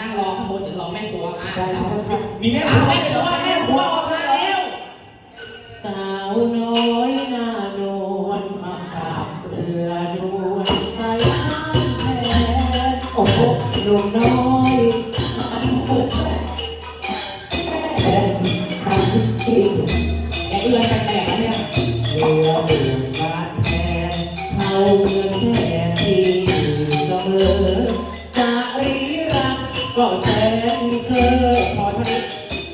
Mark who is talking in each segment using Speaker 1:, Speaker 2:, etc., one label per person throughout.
Speaker 1: นั่งรอข้างบนเดี๋ยวรอแม่ครัวมา
Speaker 2: มีแม่ครัวมาแล้ว
Speaker 1: สาวน้อยหน้านวลมากับเรือด่วนใส่ข้ามแพโอ้โหหนุ่มน้อยแกเอื้อนแปลกๆเนี่ยเรือเดือดบาดแผลเขาเมือนแค่ที่เสมอจะรีรักก็แสนเซอร์พอเท่านี้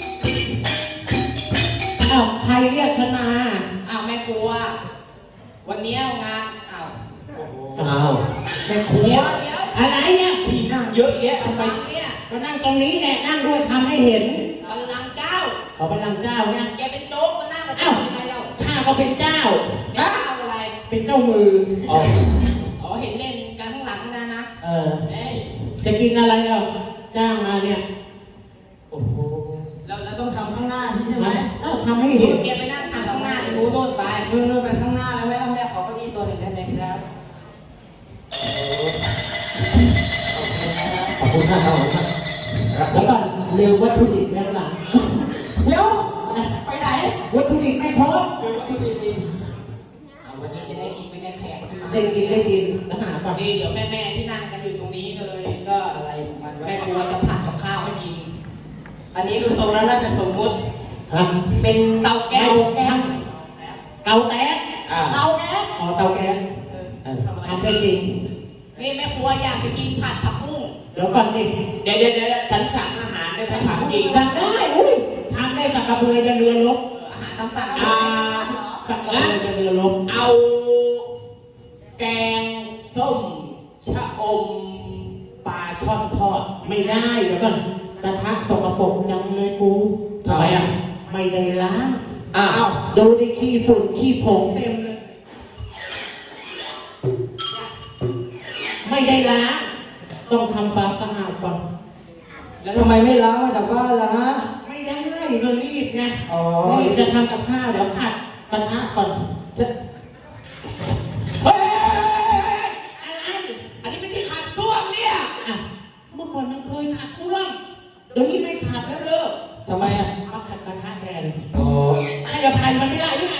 Speaker 1: อ้าวใครเรียกฉันมาอ้าวแม่ครัววันนี้งานอ้าวแม่ครัวอะไรเนี่ย
Speaker 2: ที่นั่งเยอะแยะ
Speaker 1: บัลลังก์เนี่ยก็นั่งตรงนี้แหละนั่งด้วยทำให้เห็นบัลลังก์เจ้าเขาบัลลังก์เจ้าเนี่ยแกเป็นโจ๊กมานั่งกับเจ้ายังไงเราข้าก็เป็นเจ้าเจ้าอะไรเป็นเจ้ามืออ๋อเห็นเล่นกันข้างหลังนั่นนะจะกินอะไรเราจ้างมาเนี่ย
Speaker 2: โอ้โหแล้วต้องทำข้างหน้าใช่ไหม
Speaker 1: ทำให้เห็นแกไปนั่งทำข้างหน้ารู้โน่นไป
Speaker 2: นู่นไปข้างหน้าแล้วแม่ขอเก้าอี้ตัวหนึ่งได้ไหมครับขอบคุณครับ
Speaker 1: แล้วก่อนเร็ววัตถุดิบแม่หลัง
Speaker 2: เดี๋ยวไปไหน
Speaker 1: วัตถุดิบไม่พร้อม
Speaker 2: วัตถุดิบดี
Speaker 1: วันนี้จะได้กินไม่ได้แขกได้กินแล้วหาก่อนดีเดี๋ยวแม่ที่นั่งกันอยู่ตรงนี้เลยก็
Speaker 2: อะไรของมัน
Speaker 1: แม่ครัวจะผัดกับข้าวให้กิน
Speaker 2: อันนี้ดูทรงแล้วน่าจะสมมุติเป็น
Speaker 1: เตาแก๊สเตาแก๊ส
Speaker 2: เตาแก๊ส
Speaker 1: เตาแก๊สทำได้จริงนี่แม่ครัวอยากจะกินผัดผักบุ้งเดี๋ยวก่อนสิเดี๋ยวฉันสั่งอาหารได้ไหมผักจริงสั่งได้อุ้ยทำได้สักกระเบือจะเรือลบอาหารต้องสั่งสักกระเบือจะเรือลบ
Speaker 2: เอาแกงส้มชะอมปลาช่อนทอด
Speaker 1: ไม่ได้เดี๋ยวก่อนกระทะสกปรกจังเลยกู
Speaker 2: ทำไม
Speaker 1: ไม่ได้ล้างดูได้ขี้ฝุ่นขี้ผงเต็มเลยไม่ได้ล้างต้องทำความสะอาดก่อน
Speaker 2: แล้วทำไมไม่ล้างมาจากบ้านล่ะฮะ
Speaker 1: ไม่ได้ก็รีบไงรีบจะทำกับข้าวเดี๋ยวผัดกระทะก่อน
Speaker 2: จะ
Speaker 1: อะไรอันนี้ไม่ได้ขัดส้วมเนี่ยเมื่อก่อนมันเคยขัดส้วมเดี๋ยวนี้ไม่ขัดแล้วเลิก
Speaker 2: ทำไม
Speaker 1: มาขัดกระทะแทนให้อภัยมันไม่ได้ด้วยไง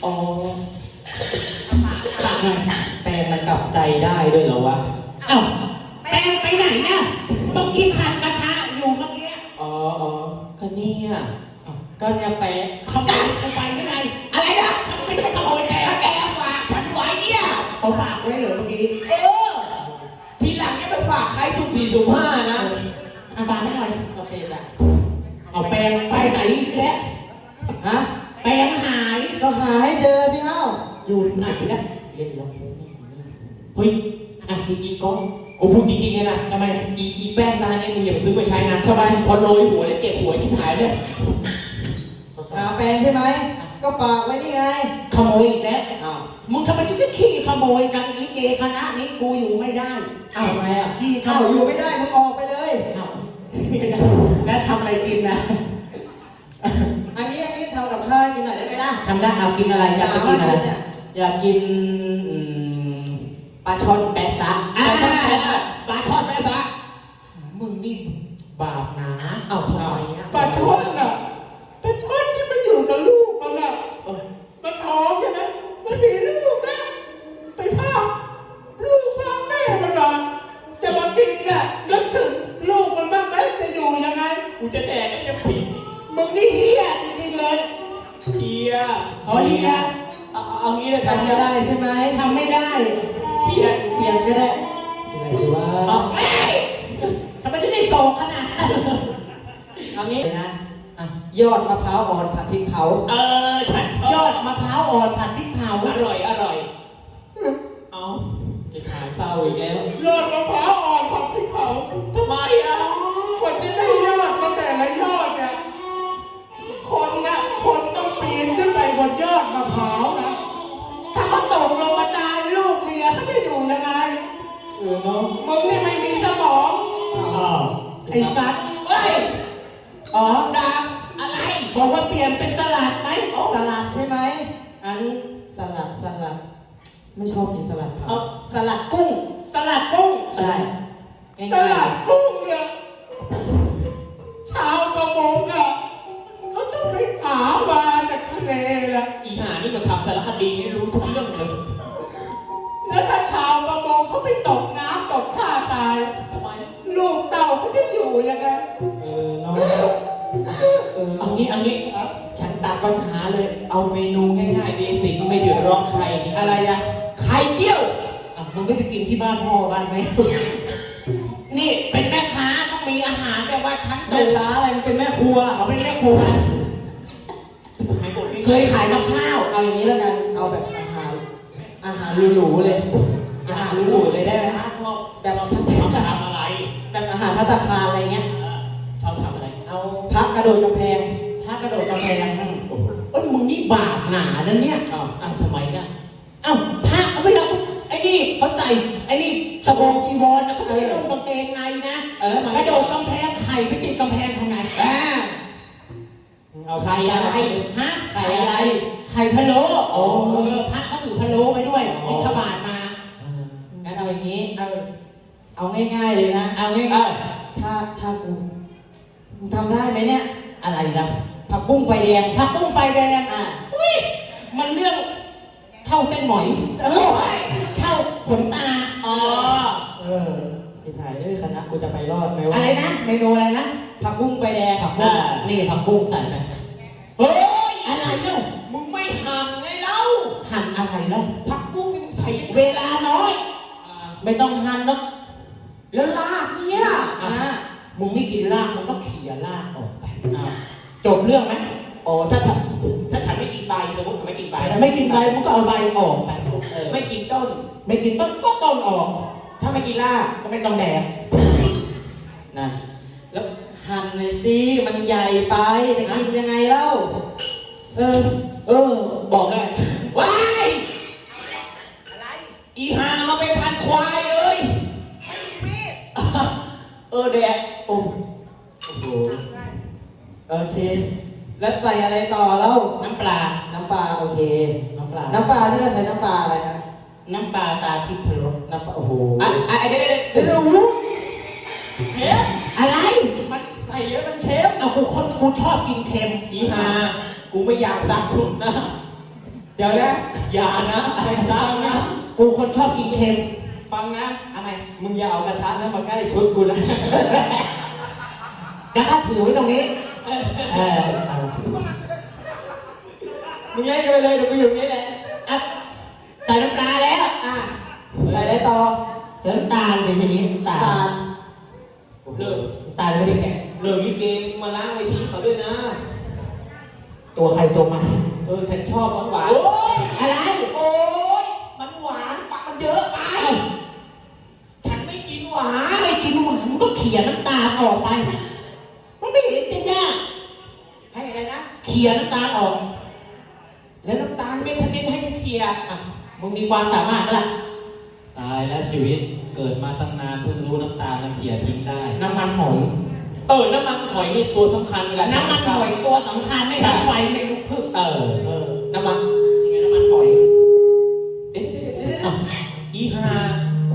Speaker 2: แปลงมันกลับใจได้ด้วยเหรอวะ
Speaker 1: แปลงไปไหนนะเมื่อกี้ผัดกระทะอยู่เมื่อกี้
Speaker 2: ก็เนี่ยก็เนี่ยแปลง
Speaker 1: ขโมยกูไปไม่ได้อะไรนะไม่ต้องไปขโมยแปลงแกฝากฉันไว้เนี่ยเอาฝากไว้เหรอเมื่อกี้
Speaker 2: ทีหลังเนี่ยไปฝากใครสุ่มสี่สุ่มห้านะ
Speaker 1: ฝากไม่หน่อย
Speaker 2: โอเคจ้ะ
Speaker 1: เอาแปลงไปไหนแล้วแปลงหาย
Speaker 2: ก็หาให้เจอสิ
Speaker 1: อยู่ไหนนะ
Speaker 2: เล่นล็อกเฮ้ยคืออีกล้องกูพูดจริงๆเลยนะ
Speaker 1: ทำไม
Speaker 2: อีแป้งตาเนี่ยมึงอย่าซื้อไปใช้นะทำไมพอโรยหัวแล้วเจ็บหัวชิบหายเลยหาแป้งใช่ไหมก็ฝากไว้นี่ไง
Speaker 1: ขโมยอีกแล้วมึงทำไมถึงได้ขี้ขโมยกันลิเกคณะนี้กูอยู่ไม่ได้
Speaker 2: ทำไมขี้อยู่ไม่ได้มึงออกไปเลย
Speaker 1: แล้วทำอะไรกินนะ
Speaker 2: อันนี้ทำกับข้าวกินหน่อยได้ไหมล่ะ
Speaker 1: ทำได้เอากินอะไรอยากกินอะไร
Speaker 2: อยากกินปลาช่อนแปะซะปลาช่อนแปะซะ
Speaker 1: มึงนี่บาปนะ
Speaker 2: ทำไม
Speaker 1: ปลาช่อนน่ะปลาช่อนที่มันอยู่กับลูกมันน่ะมันท้องใช่ไหมมันมีลูกนะไปพาลูกพ่อแม่มันมาจะมากินน่ะนึกถึงลูกมันบ้างไหมจะอยู่ยังไง
Speaker 2: กูจะแดกก็จะผี
Speaker 1: มึงนี่เฮียจริงๆเลย
Speaker 2: เฮีย
Speaker 1: เฮีย
Speaker 2: เอางี้เลยทำก็ได้ใช่ไหม
Speaker 1: ทำไม่ได้
Speaker 2: เปลี่ยนก็ได้อะไรดีวะ
Speaker 1: ทำไมถึงได้โศกขนาดนั้น
Speaker 2: เอางี้นะยอดมะพร้าวอ่อนผัดพริกเผาย
Speaker 1: อดมะพร้าวอ่อนผัดพริกเผา
Speaker 2: อร่อยเอาจะขายเศร้าอีกแล้ว
Speaker 1: ยอดมะพร้าวอ่อนผัดพริกเผา
Speaker 2: ทำไม
Speaker 1: กว่าจะได้ยอดมาแต่ละยอดเนี่ยคนต้องปีนขึ้นไปบนยอดมะพร้าวนะถ้าเขาตกลงมาตายลูกเมียเขาจะอยู่ยังไง
Speaker 2: เนาะ
Speaker 1: มึงนี่ไม่มีสมองไอ้สัตว์
Speaker 2: ดัง
Speaker 1: อะไรบอกว่าเปลี่ยนเป็นสลัดไหม
Speaker 2: สลัดใช่ไหมอันสลัดไม่ชอบกินสลัดครับ
Speaker 1: สลัดกุ้ง
Speaker 2: ใช่
Speaker 1: สลัดกุ้งเนี่ย
Speaker 2: งี้ฉันตัดปัญหาเลยเอาเมนูง่ายๆเบสิกไม่เดือดร้อนใคร
Speaker 1: อะไรอะ
Speaker 2: ไข่เจียว
Speaker 1: มึงไม่ไปกินที่บ้านพ่อบ้านไหมนี่เป็นแม่ค้าต้องมีอาหารแต่ว่าชั้นสูง
Speaker 2: แม่ค้าอะไรมันเป็นแม่ครัว
Speaker 1: เขาเป็นแม่ครัวเคยขายกับข้าว
Speaker 2: เอาอย่างนี้แล้วกันเอาแบบอาหารหรูๆเลยอาหารหรูๆเลยได้ไหมชอบแบบพัฒนาทำอะไรแบบอาหารภัตตาคารอะไรเงี้ยชอบทำอะไรเอาพักกระโดดกำแพง
Speaker 1: พักกระโดดกำแพงโอ้ยมึงนี่บาปหนานั่นเนี่ย
Speaker 2: อ้าวทำไมเนี่ย
Speaker 1: อ้าวพักเอาไปแล้วไอ้นี่เขาใส่ไอ้นี่สบงจีวรแล้วก็ไม่ลงกางเกงในนะกระโดดกำแพงไข่ไปติดกำแพงทำไง
Speaker 2: เอาไข่อะไร
Speaker 1: ฮะ
Speaker 2: ไข่อะไร
Speaker 1: ไข่พะโล้พระเขาถือพะโล้ไปด้วยบิณฑบาตมา
Speaker 2: งั้นเอาอย่างนี้เอาง่ายๆเลยนะ
Speaker 1: เอาง่าย
Speaker 2: ๆถ้ากูทำได้ไหมเนี่ย
Speaker 1: อะไรครับ
Speaker 2: ผักบุ้งไฟแดง
Speaker 1: ผักบุ้งไฟแดงอุ้ยมันเรื่องเข้าเส้นหมอยเข้าขนตา
Speaker 2: สิถ่ายคณะกูจะไปรอดไหมวะ
Speaker 1: อะไรนะเมนูอะไรนะ
Speaker 2: ผักบุ้งไฟแดง
Speaker 1: ผักบุ้งนี่ผักบุ้งใส่ไปเฮ้ยอะไรเล่า
Speaker 2: มึงไม่หั่นไงเล่า
Speaker 1: หั่นอะไรเล่า
Speaker 2: ผักบุ้งมึงใส่
Speaker 1: เวลาน้อยไม่ต้องหั่น
Speaker 2: แล้วรากเนี่ย
Speaker 1: มึงไม่กินรากมึงก็เขี่ยรากออกไปจบเรื่องไหม
Speaker 2: ถ้าฉันไม่กินใบสมมติไม่กินใบ
Speaker 1: ไม่กินใบมึงก็เอาใบออกไป
Speaker 2: ไม่กินต้น
Speaker 1: ไม่กินต้นก็ต้นออก
Speaker 2: ถ้าไม่กินราก
Speaker 1: ก็ไม่ต้องแดก
Speaker 2: นั่นแล้วหั่นเลยสิมันใหญ่ไปจะกินยังไงเล่าบอกได้ว้าย
Speaker 1: อะไร
Speaker 2: อีห่ามาเป็นพันควายเลยแดกโอ้โหโอเคแล้วใส่อะไรต่อแล้ว
Speaker 1: น้ำปลา
Speaker 2: โอเค
Speaker 1: น้ำปลา
Speaker 2: ที่เราใช้น้ำปลาอะไรครับ
Speaker 1: น้ำปลาตาทิพย์พะโล้
Speaker 2: น้ำปลาโอ้โหเดี๋ยวเค็ม
Speaker 1: อะไร
Speaker 2: มันใส่เยอะมันเค็ม
Speaker 1: กูชอบกินเค็ม
Speaker 2: อีห่ากูไม่อยากซักชุดนะเดี๋ยวนะอย่านะไม่ซักนะ
Speaker 1: กูคนชอบกินเค็ม
Speaker 2: ฟังนะ
Speaker 1: อะไร
Speaker 2: มึงอย่าเอากระทะนั้นมาใกล้ชุดกูนะ
Speaker 1: แล้วก็ถือไว้ตรงนี้
Speaker 2: มึงเล่นกันไปเลยเดี๋ยวกูอยู่นี่แหละ
Speaker 1: ใส่น้ำปลาแล้ว
Speaker 2: ใส่อะไรต่อ
Speaker 1: ใส่น้ำตาลทีนี้น้ำตาล
Speaker 2: เลิก
Speaker 1: ตาลไม่ได้แกะ
Speaker 2: เลิกยี่เกมมาล้างไว้ทีเขาด้วยนะ
Speaker 1: ตัวใครตัวมัน
Speaker 2: ฉันชอบหวาน
Speaker 1: อะไร
Speaker 2: มันหวานปากมันเยอะไปฉันไม่กินหวาน
Speaker 1: มึงก็เขี่ยน้ำตาลออกไปมันไม่เห็นจะยาก
Speaker 2: ให้อะไรนะ
Speaker 1: เขี่ยน้ำตาลออก
Speaker 2: แล้วน้ำตาลไม่ทันได้ให้มึงเขี่ย
Speaker 1: มึงมีความสามารถล่ะ
Speaker 2: ตายแล้วชีวิตเกิดมาตั้งนานเพิ่งรู้น้ำตาลมันเขี่ยทิ้งได้
Speaker 1: น้ำมันหอย
Speaker 2: น้ำมันหอยนี่ตัวสำคัญเวลา
Speaker 1: น้ำมันหอยตัวสำคัญไม่ใช่ไฟไม่ลุกพึบ
Speaker 2: น้ำมัน
Speaker 1: ยังไงน้ำมันหอย
Speaker 2: อีห่า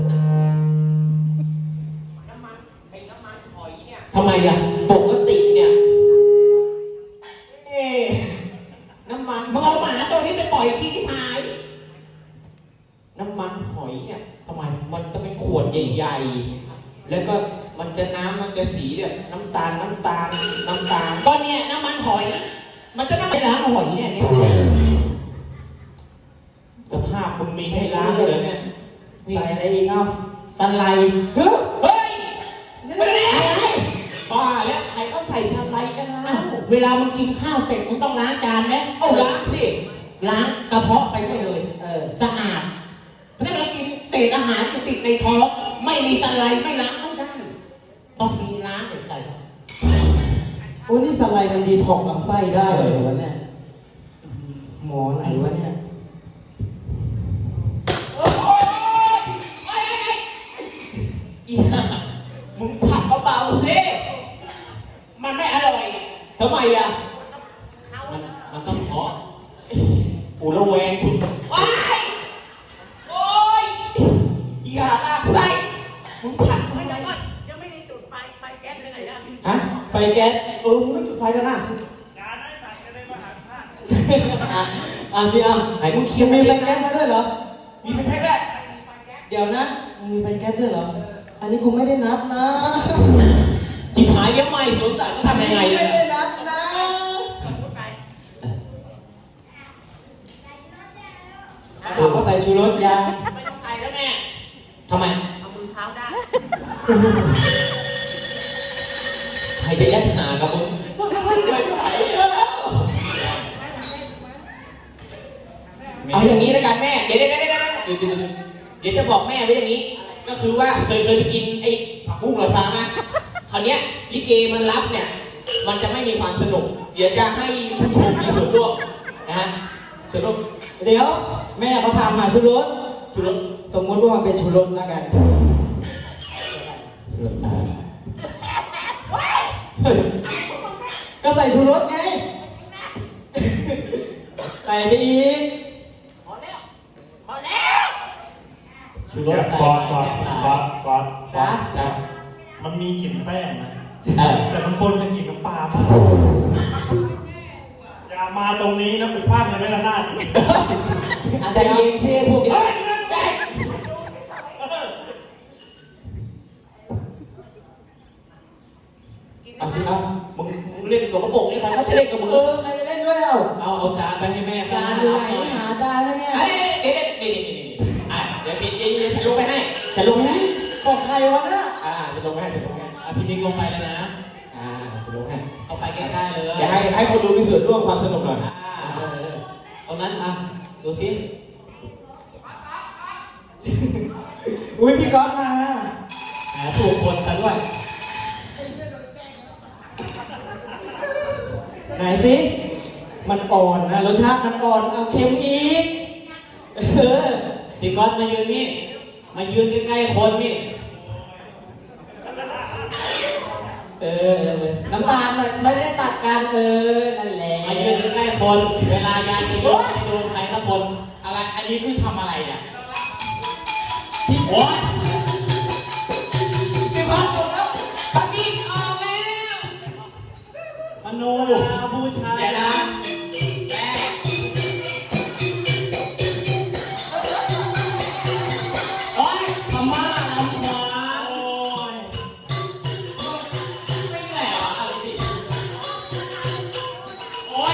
Speaker 2: น้ำมันหอยเนี่ย
Speaker 1: ทำไมอ่ะ
Speaker 2: ปกติเนี่ยน้ำมัน
Speaker 1: มึงเอาหมาตัวนี้ไปปล่อยที่หาย
Speaker 2: น้ำมันหอยเนี่ย
Speaker 1: ทำไม
Speaker 2: มันจะเป็นขวดใหญ่ๆแล้วก็มันจะน้ำมันจะสีเนี่ยน้ำตาล
Speaker 1: ก็เนี่ยน้ำมันหอยมันจะน้ำมันล้างหอยเนี่ย
Speaker 2: สภาพมึงมีให้ล้างเลยเนี่ยใส่อะไรอีกครับ
Speaker 1: สไลด์
Speaker 2: เฮ้ยไม่ได้อะไรบ้าแล้วใครเขาใส่สไลด์กันแล้ว
Speaker 1: เวลามึงกินข้าวเสร็จมึงต้องล้างจานไหม
Speaker 2: ล้างสิ
Speaker 1: ล้างกระเพาะไปด้วยเลยสะอาดเพราะฉะนั้นเรากินเศษอาหารติดในท้องไม่มีสไลด์ไม่ล้างไม่ได้ต้องมีล้างเด็ดขาด
Speaker 2: นี่สไลด์มันดีท็อกลำไส้ได้เลยวะเนี่ยหมอไหนวะเนี่ยมึงผักเบาๆสิ
Speaker 1: มันไม่อร่อย
Speaker 2: ทำไมอ่ะมันต้องเพาะปูระแวงชุดว้ายโอ้ยอย่าลากไส้มึงผัด
Speaker 1: ไม่ได้ยังไม่ได้จุดไฟแก๊สเลยนะ
Speaker 2: ฮะไฟแก๊สมึงไม่จุดไฟกันนะสิไอ้มึงเคี้ยวมีไฟแก๊สมาด้วยเหรอมีไฟแก๊สด้วยเดี๋ยวนะมีไฟแก๊สด้วยเหรออันนี้กูไม่ได้นัดนะจิ๋หายยังไม่สงสัยมึงทำยังไง
Speaker 1: ไม่ได้นัดนะ
Speaker 2: รสยัง
Speaker 1: ไม่ต้องใส่แล้วแม่ทำไมเอามือเท้าได้ใครจะยัดหากับมึงเอาอย่างนี้แล้วกันแม่เดี๋ยวจะบอกแม่ไว้อย่างนี้ก็คือว่าเคยไปกินไอ้ผักบุ้งลอยฟ้ามาคราวเนี้ยลิเกมันรับเนี่ยมันจะไม่มีความสนุกเดี๋ยวจะให้ผู้ชมมีส่วนร่วมนะฮะส่วนร่วม
Speaker 2: เดี๋ยวแม่เขาทำมาชูรสสมมุติว่ามันเป็นชูรสแล้วกันก็ใส่ชูรสไงใส่ไปอีกพอแล้วชูรสใส่
Speaker 3: ก่อน
Speaker 2: จ้า
Speaker 3: มันมีกลิ่นแป้งนะแต่มันปนกับกลิ่นน้ำปลามากอย่ามาตรงนี้นะกูพลาดในแม่ละนาด
Speaker 2: อาจจะยิงเสียพวกนี้
Speaker 1: เอาสิเอามึงเล่นสกปรกนี่ใครเขาจะเล่นกับมึง
Speaker 2: ใครจะเล่นด้วย
Speaker 1: เอาจานไปให้แม่
Speaker 2: จานอยู่ไหนหาจานให้แม่
Speaker 1: เดี๋ยวฉันลงไปให้ฉันลงให้
Speaker 2: ของใครวะน่ะ
Speaker 1: จะลงให้พี่นิกลงไปแล้วนะจะลงให้เข้าไปใกล้ๆเลยอย่าให้คนดูมีส่วนร่วมความสนุกหน่อยตรงนั้นดูสิ
Speaker 2: อุ้ยพี่ก๊อฟมา
Speaker 1: ถูกคนกันด้วย
Speaker 2: ไหนสิมันอ่อนนะรสชาติมันอ่อนเอาเค็มอีก
Speaker 1: พี่ก๊อฟมายืนนี่มายืนใกล้ๆคนนี่
Speaker 2: น้ำตาลเลยไม่ได้ตัดกันนั่นแหละ
Speaker 1: มายืนใกล้ๆคนเวลายายจะยืนให้ดูใครสักคนอะไรอันนี้คือทำอะไรเนี่ยพี่โอ๊ย
Speaker 2: พี่ก๊อฟหมดแล้ว
Speaker 1: ปฏิทินออกแล้ว
Speaker 2: มโนราบูชา
Speaker 1: เดี๋ยวนะแม่โอ๊ยพม่าลำควานโอ๊ยไม่เหนื่อยเหรออะไรดิโอ๊ย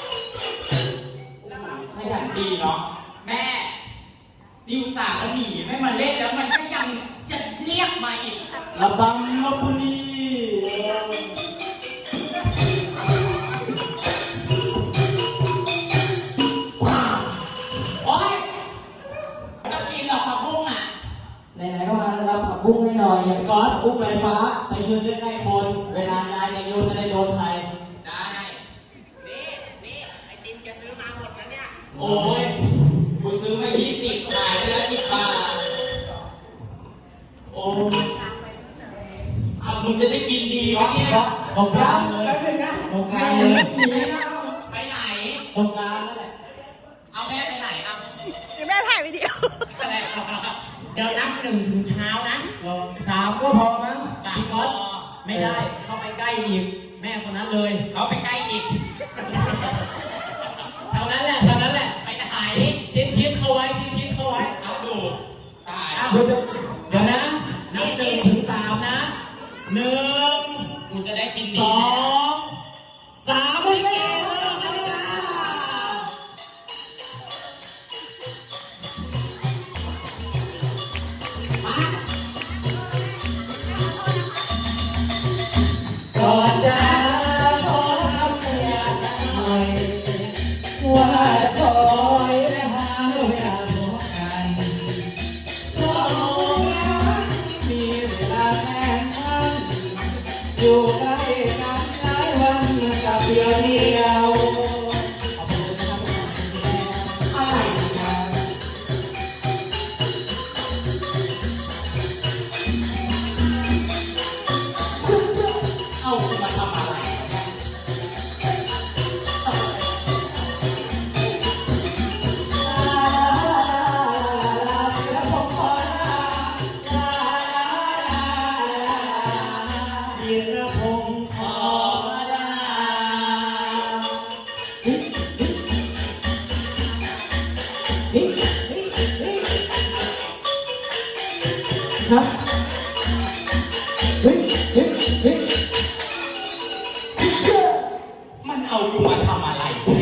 Speaker 1: ขยันดีเนาะแม่ดิวสาก็หนีไม่มาเล่นแล้วมันก็ยังจะเรียกมาอีก
Speaker 2: ระบังลพบุรีไหนๆก็มารับผักบุ้งให้หน่อยอย่างก๊อตบุ้งลอยฟ้า
Speaker 1: ไปยืนใกล้ๆคนเวลายายจะโยนจะได้โดนใครได้นี่ไอติมแกซื้อมาหมดแล้วเนี่ยโอ้ยกูซื้อมา20ขายไปแล้ว10 บาทโอ้มึงจะได้กินดีไหมเนี่ย
Speaker 2: ตรงกลางเลยแป๊บนึงนะ
Speaker 1: ตรงกลางเลยไปไหน
Speaker 2: ตรงกลางนั่นแหละ
Speaker 1: เอาแม่ไปไหน
Speaker 4: เดี๋ยวแม่ถ่ายวิดีโอ
Speaker 1: เดี๋ยวนับ1 ถึงเช้านะ
Speaker 2: 3ก็พอมั้ง
Speaker 1: พี่ก๊อตไม่ได้เข้าไปใกล้อีกแม่คนนั้นเลยเขาไปใกล้อีกเท่านั้นแหละไปไหนชิดเข้าไว้ชิดเข้าไว้เอาดูตาย
Speaker 2: เดี๋ยวนะ
Speaker 1: นับ1 ถึง 3นะ1กูจะได้กิน2 3ไม่ได้
Speaker 2: ก่อนจะขอทำสัญญาหน่อยว่าจะคอยและหาเวลาพบกันสองรักมีเวลาแค่นั้นอยู่ใกล้กันหลายวันกับเดียว
Speaker 1: อะไรกันเอาจะมาทำอะไร
Speaker 2: ธีรพงศ์ขอลาฮะ
Speaker 1: มันเอากูมาทำอะไร